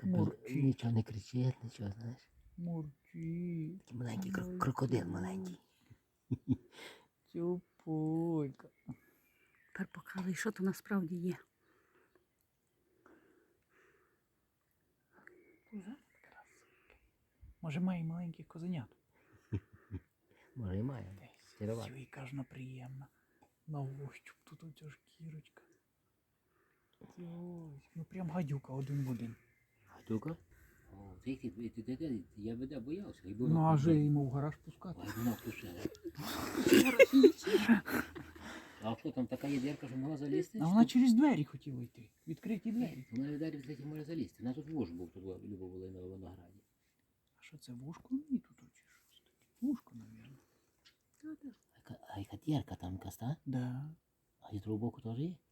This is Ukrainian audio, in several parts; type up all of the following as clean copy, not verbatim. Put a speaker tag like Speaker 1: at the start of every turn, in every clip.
Speaker 1: Мурчить.
Speaker 2: Нічого не кричить, нічого, знаєш.
Speaker 1: Мурчить.
Speaker 2: Такий маленький крокодил маленький.
Speaker 1: Цюпулька.
Speaker 3: Тепер показуй, що то насправді є.
Speaker 1: Може має маленьких козенят?
Speaker 2: Може і має. Сірова.
Speaker 1: Яка ж вона приємна. На ощуп тут оця шкірочка. Ось, ну прям гадюка один в один.
Speaker 2: Гадюка? О, я би боявся.
Speaker 1: Ну а же йому в гараж пускати.
Speaker 2: Ой, вона втушила. А що там така є дірка, що могла залізти?
Speaker 1: А вона через двері хотіла йти. Відкриті двері.
Speaker 2: Вона двері відкриті може залізти. У нас тут вуж був, тут Люба була на винограді.
Speaker 1: А що це, вушко мені тут чи щось таке? Вушко, мабуть.
Speaker 2: А яка дірка там якась, так?
Speaker 1: Да.
Speaker 2: А з другого боку теж є?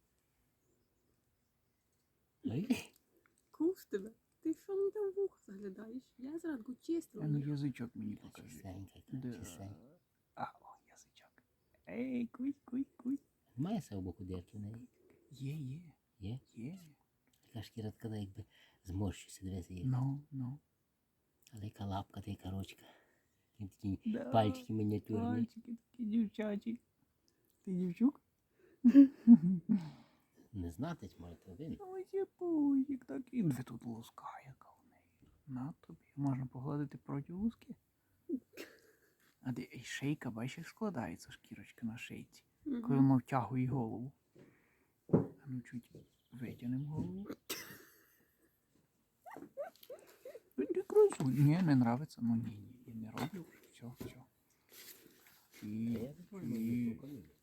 Speaker 3: Куш тебе. Ти що мені там в ухо заглядаєш? Я зранку чистила.
Speaker 1: А ну язичок мені покажи.
Speaker 2: Чистенька,
Speaker 1: Да.
Speaker 2: чистенька.
Speaker 1: А, о, язичок. Ей, куй, куй, куй.
Speaker 2: Немає з цього боку дірки в неї?
Speaker 1: Є.
Speaker 2: Є?
Speaker 1: Є.
Speaker 2: Така шкіра така, якби зморщується, дивися, є.
Speaker 1: Ну.
Speaker 2: Але яка лапка, та яка ручка. Такі
Speaker 1: Да.
Speaker 2: пальчики мініатюрні.
Speaker 1: Пальчики такі дівчачі. Ти дівчук?
Speaker 2: Не знати, може, то він.
Speaker 1: Ось є пузик такий. Ви тут луска яка в неї. На тобі. Можна погладити проти луски. А де і шийка, бачиш, як складається шкірочка на шийці. Коли воно втягує голову. А ну чуть витягнемо голову. Ти красу. Ні, не нравиться. Ну ні, я не роблю вже. Все.
Speaker 2: Я не можу,